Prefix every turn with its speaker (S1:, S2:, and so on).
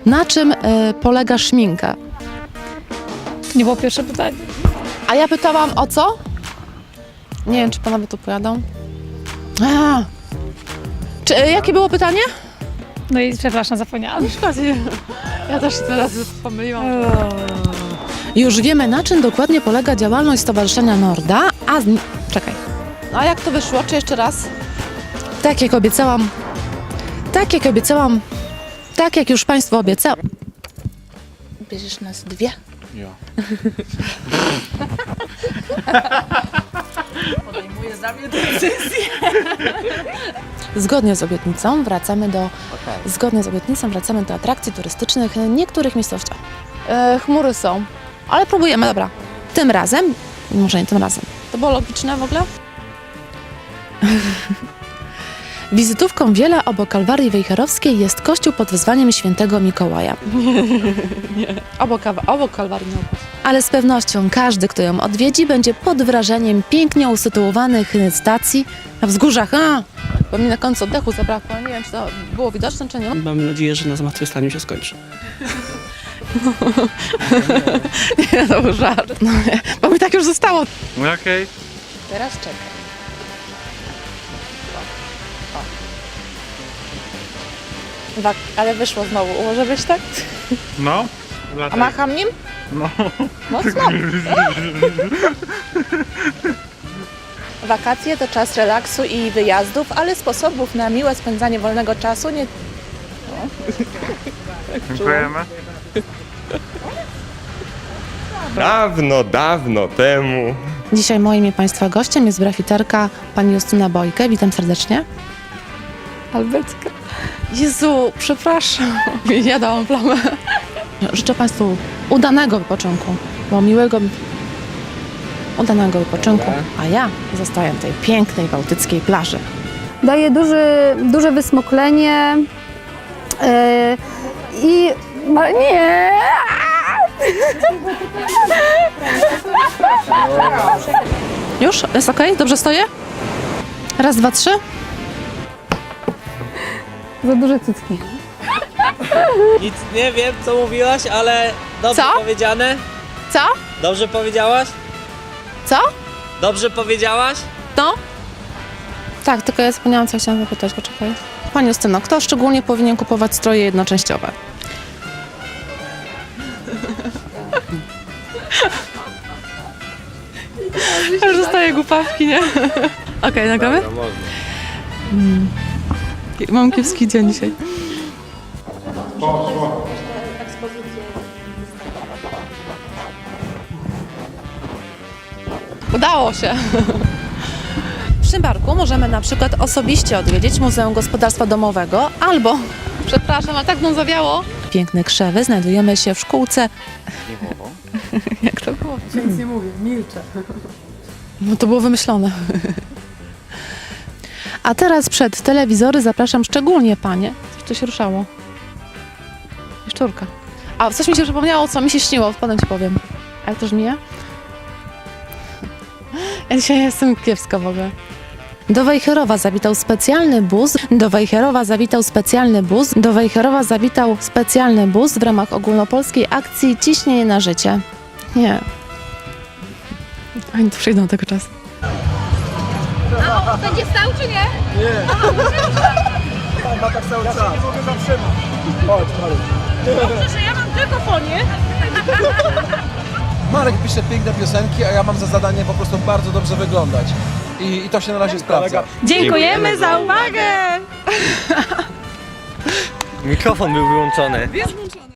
S1: Na czym polega szminka?
S2: To nie było pierwsze pytanie.
S1: A ja pytałam o co? Nie wiem, czy panowie tu pojadą. Jakie było pytanie?
S2: No i przepraszam, zapomniałam.
S1: Ja też teraz pomyliłam. Już wiemy, na czym dokładnie polega działalność Stowarzyszenia Norda, Czekaj. No a jak to wyszło? Czy jeszcze raz? Tak jak obiecałam. Tak jak już Państwu obiecałam.
S3: Bierzesz nas dwie?
S4: Ja.
S3: Podejmuję za mnie decyzję.
S1: Zgodnie z obietnicą wracamy do atrakcji turystycznych w niektórych miejscowościach. Chmury są, ale próbujemy, dobra. Tym razem, może nie tym razem. To było logiczne w ogóle? Wizytówką wiele obok Kalwarii Wejherowskiej jest kościół pod wezwaniem świętego Mikołaja. Nie. Obok Kalwarii nie. Ale z pewnością każdy, kto ją odwiedzi, będzie pod wrażeniem pięknie usytuowanych stacji na wzgórzach. Bo mi na końcu oddechu zabrakło. Nie wiem, czy to było widoczne, czy nie.
S5: Mam nadzieję, że na zmartwychwstaniu się skończy.
S1: Nie, to był żart. No, bo mi tak już zostało.
S4: Okej.
S3: Teraz czekaj. Ale wyszło znowu. Może być tak?
S4: No.
S3: A macham nim?
S4: No.
S3: Mocno. Wakacje to czas relaksu i wyjazdów, ale sposobów na miłe spędzanie wolnego czasu nie...
S4: Dziękujemy.
S6: Dawno temu.
S1: Dzisiaj moim i Państwa gościem jest brafiterka pani Justyna Bojkę. Witam serdecznie.
S2: Albertka.
S1: Jezu, przepraszam. Ja dałam plamę. Życzę Państwu udanego wypoczynku, bo udanego wypoczynku, a ja zostaję w tej pięknej bałtyckiej plaży.
S7: Daje duże wysmoklenie i... Nie!
S1: Już? Jest okej? Dobrze stoję? Raz, dwa, trzy.
S7: Za duże cycki.
S8: Nic nie wiem, co mówiłaś, ale dobrze
S1: Co?
S8: powiedziane.
S1: Co?
S8: Dobrze powiedziałaś?
S1: Co?
S8: Dobrze powiedziałaś?
S1: No? Tak, tylko ja zapomniałam, co chciałam zapytać, poczekaj. Pani Justyno, kto szczególnie powinien kupować stroje jednoczęściowe? Ja już dostaję głupawki, nie? Okej, nagramy? Mam kiepski dzień dzisiaj. Udało się. W Szymbarku możemy na przykład osobiście odwiedzić Muzeum Gospodarstwa Domowego albo, przepraszam, ale tak mną zawiało. Piękne krzewy, znajdujemy się w szkółce. Jak to było?
S9: Nic nie mówię, milczę.
S1: No to było wymyślone. A teraz przed telewizory zapraszam szczególnie panie. Coś tu się ruszało. Szczurka. A coś mi się przypomniało, co mi się śniło, potem ci powiem. A jak to brzmi? Ja dzisiaj jestem kiepska w ogóle. Do Wejherowa zawitał specjalny bus w ramach ogólnopolskiej akcji Ciśnienie na życie. Nie. Oni tu przyjdą tego czasu.
S7: Będzie stał czy nie?
S9: Pan ma tak cały czas. Nie mogę zatrzymać. Chodź, Marek.
S7: Proszę, ja mam tylko fonię.
S9: Marek pisze piękne piosenki, a ja mam za zadanie po prostu bardzo dobrze wyglądać. I to się na razie sprawdza.
S7: Dziękujemy za uwagę!
S8: Mikrofon był wyłączony.
S7: Jest włączony.